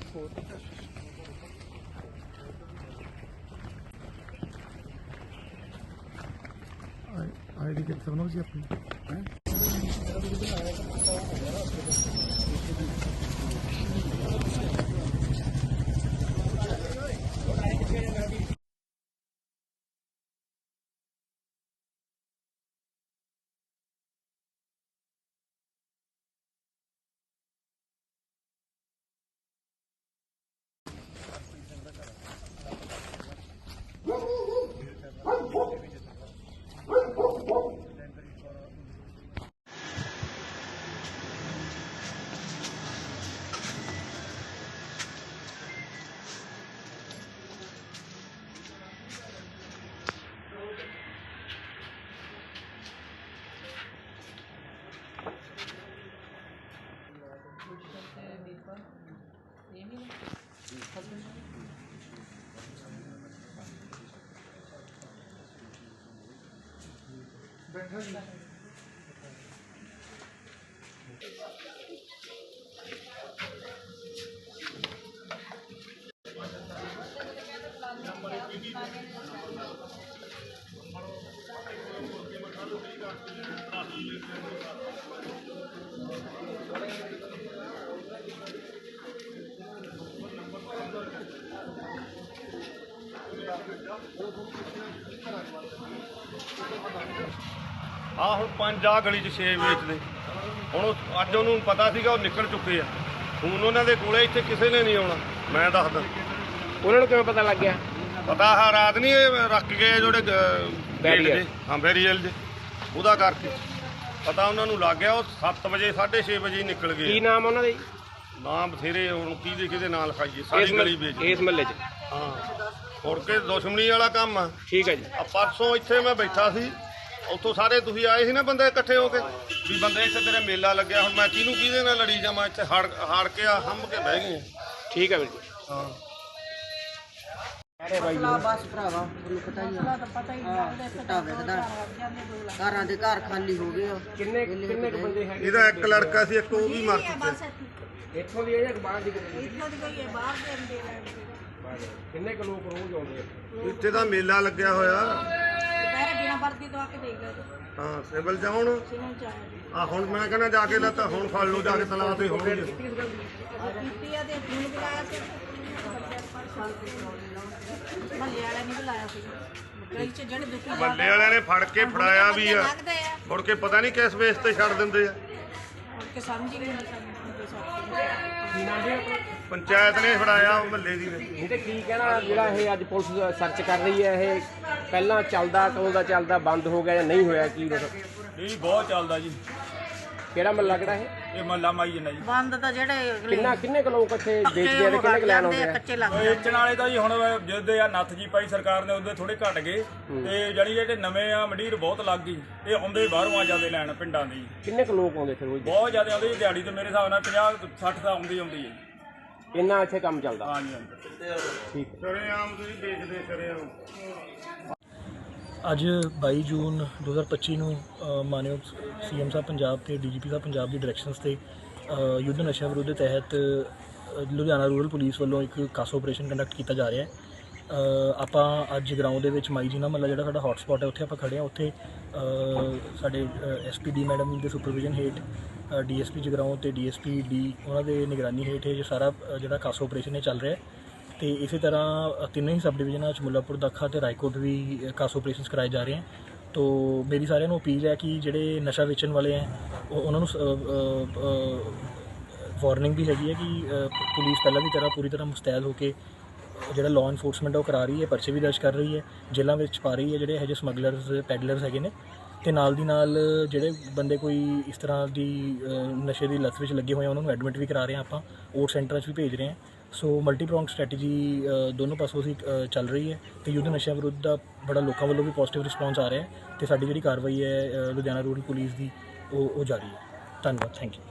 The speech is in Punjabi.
आईडी कितने बनाओ जी अपनी हाँ हुण 5 आ गली च 6 ਵੇਚਦੇ ਹੁਣ ਅੱਜ ਉਹਨੂੰ ਪਤਾ ਸੀਗਾ ਉਹ ਨਿਕਲ ਚੁੱਕੇ ਆ ਹੁਣ ਉਹਨਾਂ ਦੇ ਕੋਲੇ ਇੱਥੇ ਕਿਸੇ ਨੇ ਨਹੀਂ ਆਉਣਾ ਮੈਂ ਦੱਸਦਾ ਉਹਨਾਂ ਨੂੰ ਕਿਵੇਂ ਪਤਾ ਲੱਗ ਗਿਆ ਪਤਾ ਆ ਰਾਤ ਨਹੀਂ ਇਹ ਰੱਖ ਗਏ ਜਿਹੜੇ ਬੈਰੀਅਰ ਹਾਂ ਬੈਰੀਅਰ ਦੇ ਉਹਦਾ ਕਰਕੇ ਪਤਾ ਉਹਨਾਂ ਨੂੰ ਲੱਗ ਗਿਆ ਉਹ 7 ਵਜੇ 6:30 ਵਜੇ ਨਿਕਲ ਗਏ ਕੀ ਨਾਮ ਉਹਨਾਂ ਦੇ ਨਾਮ ਬਥੇਰੇ ਹੁਣ ਕਿਹਦੇ ਨਾਂ ਲਿਖਾਈਏ ਸਾਰੀ ਗਲੀ ਵੇਚ ਇਸ ਮਹੱਲੇ 'ਚ ਹਾਂ ਮੁੜ ਕੇ ਦੁਸ਼ਮਣੀ ਵਾਲਾ ਕੰਮ ਆ ਠੀਕ ਹੈ ਜੀ ਆ ਪਰਸੋਂ ਇੱਥੇ ਮੈਂ ਬੈਠਾ ਸੀ ਉੱਥੋਂ ਸਾਰੇ ਤੁਸੀਂ ਆਏ ਸੀ ਨਾ ਬੰਦੇ ਇਕੱਠੇ ਹੋ ਕੇ ਵੀ ਬੰਦੇ ਇੱਥੇ ਤੇਰੇ ਮੇਲਾ ਲੱਗਿਆ ਹੁਣ ਮੈਂ ਕਿਹਦੇ ਨਾਲ ਲੜੀ ਜਾਵਾਂ ਇੱਥੇ ਹਾੜ ਕੇ ਹੰਭ ਕੇ ਬਹਿ ਗਏ ਠੀਕ ਹੈ ਵੀਰ ਜੀ ਹਾਂ ਬਸ ਭਰਾਵਾ ਤੁਹਾਨੂੰ ਪਤਾ ਹੀ ਆ ਚਿੱਟਾ ਵਿਕਦਾ ਘਰਾਂ ਦੇ ਘਰ ਖਾਲੀ ਹੋ ਗਏ ਕਿੰਨੇ ਬੰਦੇ ਹੈਗੇ ਇਹਦਾ ਇੱਕ ਲੜਕਾ ਸੀ ਇੱਕ ਉਹ ਵੀ ਮਰ ਚੁੱਕਿਆ ਇੱਥੋਂ ਦੀ ਹੈ ਜਾਂ ਬਾਹਰ ਦੀ ਇੱਥੋਂ ਦੀ ਕੋਈ ਹੈ ਬਾਹਰ ਦੇ ਅੰਦਰ ਕਿੰਨੇ ਕੁ ਲੋਕ ਰੋਜ਼ ਆਉਂਦੇ ਆ ਇੱਥੇ ਤਾਂ ਮੇਲਾ ਲੱਗਿਆ ਹੋਇਆ ਦੁਪਹਿਰੇ ਬਿਨਾਂ ਵਰਦੀ ਤੋਂ ਆ ਕੇ ਦੇਖ ਗਏ ਹਾਂ ਸਿਵਲ ਜਾਉਣ ਸਿਨੋਂ ਚਾਹ ਆ ਹੁਣ ਮੈਂ ਕਹਿੰਦਾ ਜਾ ਕੇ ਲੈ ਤਾਂ ਹੁਣ ਫੜ ਲਓ ਜਾ ਕੇ ਤਲਾਅ ਤੇ ਹੋਣਗੇ ਕੀਤੀ ਆ ਤੇ ਫੋਨ ਬੁਲਾਇਆ ਸੀ ਮਹੱਲੇ ਵਾਲਿਆਂ ਨੇ ਬੁਲਾਇਆ ਸੀ ਗਲੀ 'ਚ ਜਿਹੜੇ ਦੁਖੀ ਮੱਲੇ ਵਾਲਿਆਂ ਨੇ ਫੜ ਕੇ ਫੜਾਇਆ ਵੀ ਆ ਲੱਗਦੇ ਆ ਮੁੜ ਕੇ ਪਤਾ ਨਹੀਂ ਕਿਸ ਵੇਸ ਤੇ ਛੱਡ ਦਿੰਦੇ ਆ ਮੁੜ ਕੇ ਸਮਝ ਹੀ ਨਹੀਂ ਆਉਂਦਾ ਕੀ ਨਾਮ ਹੈ ਪੰਚਾਇਤ ਨੇ ਫੜਾਇਆ ਉਹ ਮੱਲੇ ਦੀ ਨੇ ਇਹ ਤੇ ਕੀ ਕਹਿਣਾ ਜਿਹੜਾ ਇਹ ਅੱਜ ਪੁਲਿਸ ਸਰਚ ਕਰ ਰਹੀ ਹੈ ਇਹ ਪਹਿਲਾਂ ਚੱਲਦਾ ਕਦੋਂ ਦਾ ਚੱਲਦਾ ਬੰਦ ਹੋ ਗਿਆ ਜਾਂ ਨਹੀਂ ਹੋਇਆ ਕੀ ਇਹ ਬਹੁਤ ਚੱਲਦਾ ਜੀ ਕਿਹੜਾ ਮਹੱਲਾ ਕਿਹੜਾ ਇਹ ਮਹੱਲਾ ਮਾਈ ਜਨਾ ਜੀ ਬੰਦ ਤਾਂ ਜਿਹੜੇ ਕਿੰਨੇ ਕੁ ਲੋਕ ਇੱਥੇ ਵੇਚਦੇ ਆ ਤੇ ਕਿੰਨੇ ਕੁ ਲੈਣ ਆਉਂਦੇ ਆ ਕੱਚੇ ਲੱਗ ਵੇਚਣ ਵਾਲੇ ਤਾਂ ਜੀ ਹੁਣ ਜਿੱਦੇ ਆ ਨੱਥ ਜੀ ਪਾਈ ਸਰਕਾਰ ਨੇ ਉਹਦੇ ਥੋੜੇ ਘਟ ਗਏ ਤੇ ਜਾਨੀ ਜਿਹੜੇ ਨਵੇਂ ਆ ਮੰਡੀਰ ਬਹੁਤ ਲੱਗ ਗਈ ਇਹ ਆਉਂਦੇ ਬਾਹਰੋਂ ਆ ਜਾਂਦੇ ਲੈਣ ਪਿੰਡਾਂ ਦੇ ਕਿੰਨੇ ਕੁ ਲੋਕ ਆਉਂਦੇ ਫਿਰ ਰੋਜ਼ ਬਹੁਤ ਜ਼ਿਆਦਾ ਆਉਂਦੇ ਦਿਹਾੜੀ ਤੇ ਮੇਰੇ ਹਿਸਾਬ ਨਾਲ 50-60 ਤਾਂ ਆਉਂਦੀ ਹੈ ਇੰਨਾ ਇੱਥੇ ਕੰਮ ਚੱਲਦਾ ਹਾਂਜੀ ਠੀਕ ਸ਼ਰੇਆਮ ਤੁਸੀਂ ਦੇਖਦੇ ਸ਼ਰੇਆਮ ਅੱਜ 22 ਜੂਨ 2025 ਨੂੰ ਮਾਨਯੋਗ ਸੀਐਮ ਸਾਹਿਬ ਪੰਜਾਬ ਤੇ ਡੀਜੀਪੀ ਸਾਹਿਬ ਪੰਜਾਬ ਦੀ ਡਾਇਰੈਕਸ਼ਨਸ ਤੇ ਯੁੱਧ ਨਸ਼ਾ ਵਿਰੋਧ ਦੇ ਤਹਿਤ ਲੁਧਿਆਣਾ ਰੂਰਲ ਪੁਲਿਸ ਵੱਲੋਂ ਇੱਕ ਕਾਸ ਆਪਰੇਸ਼ਨ ਕੰਡਕਟ ਕੀਤਾ ਜਾ ਰਿਹਾ ਹੈ। ਆਪਾਂ ਅੱਜ ਗਰਾਊਂਡ ਦੇ ਵਿੱਚ ਮਾਈ ਜੀਨਾ ਮਹੱਲਾ ਜਿਹੜਾ ਸਾਡਾ ਹੌਟ ਸਪੌਟ ਹੈ ਉੱਥੇ ਆਪਾਂ ਖੜੇ ਹਾਂ। ਉੱਥੇ ਸਾਡੇ ਐਸਪੀਡੀ ਮੈਡਮ ਦੇ ਸੁਪਰਵਿਜ਼ਨ ਹੇਠ ਡੀਐਸਪੀ ਜਗਰਾਉਂ ਤੇ ਡੀਐਸਪੀ ਡੀ ਉਹਨਾਂ ਦੇ ਨਿਗਰਾਨੀ ਹੇਠ ਇਹ ਸਾਰਾ ਜਿਹੜਾ ਕਾਸ ਆਪਰੇਸ਼ਨ ਇਹ ਚੱਲ ਰਿਹਾ ਹੈ। ਤੇ ਇਸੇ ਤਰ੍ਹਾਂ ਤਿੰਨੇ ਹੀ ਸਬ ਡਿਵੀਜ਼ਨਾਂ 'ਚ ਮੁੱਲਾਪੁਰ ਦਾਖਾ ਤੇ ਰਾਏਕੋਟ ਵੀ ਕਾਸ ਆਪਰੇਸ਼ਨਸ ਕਰਾਏ ਜਾ ਰਹੇ ਹਨ। ਤੋ ਮੇਰੀ ਸਾਰਿਆਂ ਨੂੰ ਅਪੀਲ ਹੈ ਕਿ ਜਿਹੜੇ ਨਸ਼ਾ ਵੇਚਣ ਵਾਲੇ ਹੈ ਉਹਨਾਂ ਨੂੰ ਵਾਰਨਿੰਗ ਵੀ ਹੈਗੀ ਹੈ ਕਿ ਪੁਲਿਸ ਪਹਿਲਾਂ ਦੀ ਤਰ੍ਹਾਂ ਪੂਰੀ ਤਰ੍ਹਾਂ ਮੁਸਤੈਦ ਹੋ ਕੇ ਜਿਹੜਾ ਲਾਅ ਇਨਫੋਰਸਮੈਂਟ ਉਹ ਕਰਾ ਰਹੀ ਹੈ, ਪਰਚੇ ਵੀ ਦਰਜ ਕਰ ਰਹੀ ਹੈ, ਜੇਲ੍ਹਾਂ ਵਿੱਚ ਪਾ ਰਹੀ ਹੈ ਜਿਹੜੇ ਇਹੋ ਜਿਹੇ ਸਮਗਲਰਸ ਪੈਡਲਰਸ ਹੈਗੇ ਨੇ। ਤੇ ਨਾਲ ਦੀ ਨਾਲ ਜਿਹੜੇ ਬੰਦੇ ਕੋਈ ਇਸ ਤਰ੍ਹਾਂ ਦੀ ਨਸ਼ੇ ਦੀ ਲੱਤ ਵਿੱਚ ਲੱਗੇ ਹੋਏ ਆ ਉਹਨਾਂ ਨੂੰ ਐਡਮਿਟ ਵੀ ਕਰਾ ਰਹੇ ਹਾਂ ਆਪਾਂ, ਓਟ ਸੈਂਟਰਾਂ 'ਚ ਵੀ ਭੇਜ ਰਹੇ ਹਾਂ। ਸੋ ਮਲਟੀਪ੍ਰੋਂਗ ਸਟ੍ਰੈਟਜੀ ਦੋਨੋਂ ਪਾਸੋਂ ਅਸੀਂ ਚੱਲ ਰਹੀ ਹੈ ਤੇ ਯੁੱਧ ਨਸ਼ਿਆਂ ਵਿਰੁੱਧ ਦਾ ਬੜਾ ਲੋਕਾਂ ਵੱਲੋਂ ਵੀ ਪੋਜ਼ਿਟਿਵ ਰਿਸਪੌਂਸ ਆ ਰਿਹਾ ਹੈ ਤੇ ਸਾਡੀ ਜਿਹੜੀ ਕਾਰਵਾਈ ਹੈ ਲੁਧਿਆਣਾ ਰੂਰਲ ਪੁਲਿਸ ਦੀ ਉਹ ਜਾਰੀ ਹੈ। ਧੰਨਵਾਦ, ਥੈਂਕ ਯੂ।